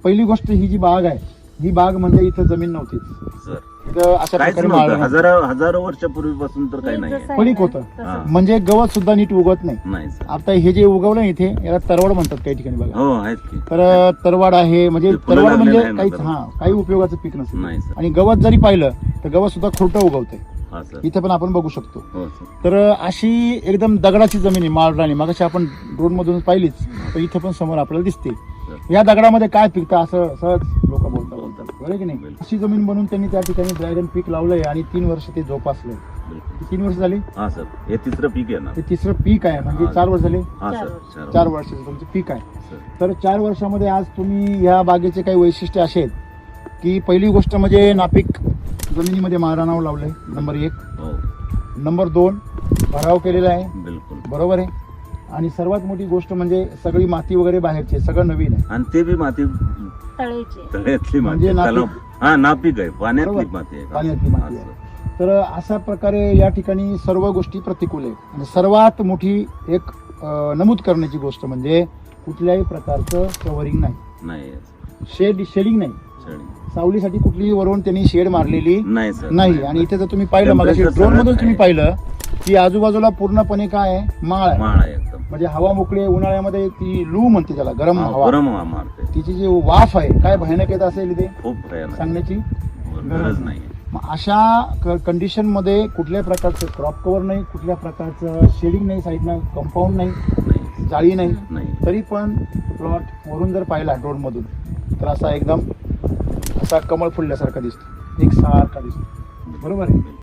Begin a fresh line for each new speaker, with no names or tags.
पहिली गोष्ट ही जी बाग आहे, ही बाग म्हणजे इथं जमीन नव्हतीच.
सर
इथं अशा
काहीच
प्रकारे
नव्हतं.
माळ
हजारो वर्षापूर्वीपासून तर काही नाही
पडीक होतं.
हा.
म्हणजे गवत सुद्धा नीट उगवत नाही.
नाही सर.
आता हे जे उगवलं इथे याला तरवाड म्हणतात काही ठिकाणी बघा.
हो आहेत की.
तर तरवाड आहे, म्हणजे
ते फुलं
तरवाड म्हणजे
लागलेलं आहे ना
काहीच
तरवाड.
काही उपयोगाचं पीक नसतं.
नाही सर.
आणि गवत जरी पाहिलं तर गवत सुद्धा खोटं उगवतंय.
हा सर.
इथे पण आपण बघू शकतो.
हो सर.
तर अशी एकदम दगडाची जमीन आहे माळराणी. मगाशी आपण ड्रोन मधून पाहिलीच, तर इथे पण समोर आपल्याला दिसते. या दगडामध्ये काय पिकतं असं सहज लोक बोलतात बरोबर की नाही. अशी जमीन बनवून त्यांनी त्या ठिकाणी ड्रॅगन पीक लावलंय आणि 3 वर्ष ते जोपासलंय.
बिलकुल.
3 वर्ष झाली.
हा सर. हे तिसरं पीक आहे ना.
ते तिसरं पीक आहे, म्हणजे
हा.
4 वर्ष झाले.
हा सर.
4 वर्षाचं तुमचं पीक आहे.
सर.
तर 4 वर्षामध्ये आज तुम्ही ह्या बागेचे काही वैशिष्ट्य असे आहेत की पहिली गोष्ट म्हणजे नापीक जमिनीमध्ये माळरानावर लावलंय, नंबर 1.
हो.
नंबर 2 भराव केलेला आहे.
बिलकुल
बरोबर आहे. आणि सर्वात मोठी गोष्ट म्हणजे सगळी माती वगैरे बाहेरची आहे, सगळं नवीन आहे.
आणि ते बी माती तळ्यातली माती
म्हणजे
आहे.
नापीक.
त्याला- हा नापीक आहे, पाण्यातली
बरोबर.
माती आहे.
पाण्यातली माती
हा,
आहे.
सर.
तर अशा प्रकारे या ठिकाणी सर्व गोष्टी प्रतिकूल आहेत. आणि सर्वात मोठी एक नमूद करण्याची गोष्ट म्हणजे कुठल्याही प्रकारचं कव्हरिंग नाही,
नाही
शेडिंग नाही.
शेळी.
सावलीसाठी कुठलीही वरून त्यांनी शेड मारलेली
नाही सर.
नाही. आणि इथे जर तुम्ही पाहिलं, मग
Temperature
ड्रोन मधून
सगळं
तुम्ही
आहे.
पाहिलं की आजूबाजूला पूर्णपणे काय आहे, माळ आहे.
माळ आहे एकदम.
म्हणजे हवा मोकळी आहे. उन्हाळ्यामध्ये ती लू म्हणते त्याला, गरम
हा,
हवा.
गरम हवा मारते.
तिची जी वाफ आहे काय भयानक येत असेल इथे
खूप भयानक.
सांगण्याची
गरज नाही.
मग अशा कंडिशन मध्ये कुठल्याही प्रकारचं क्रॉप कव्हर नाही, कुठल्या प्रकारचं शेडिंग नाही, साईडनं कंपाऊंड नाही,
नाही.
जाळी नाही.
नाही.
तरी पण प्लॉट वरून जर पाहिला ड्रोन मधून तर असा एकदम असा कमळ फुलल्यासारखा दिसतो, एक सारखा दिसतो. बरोबर आहे.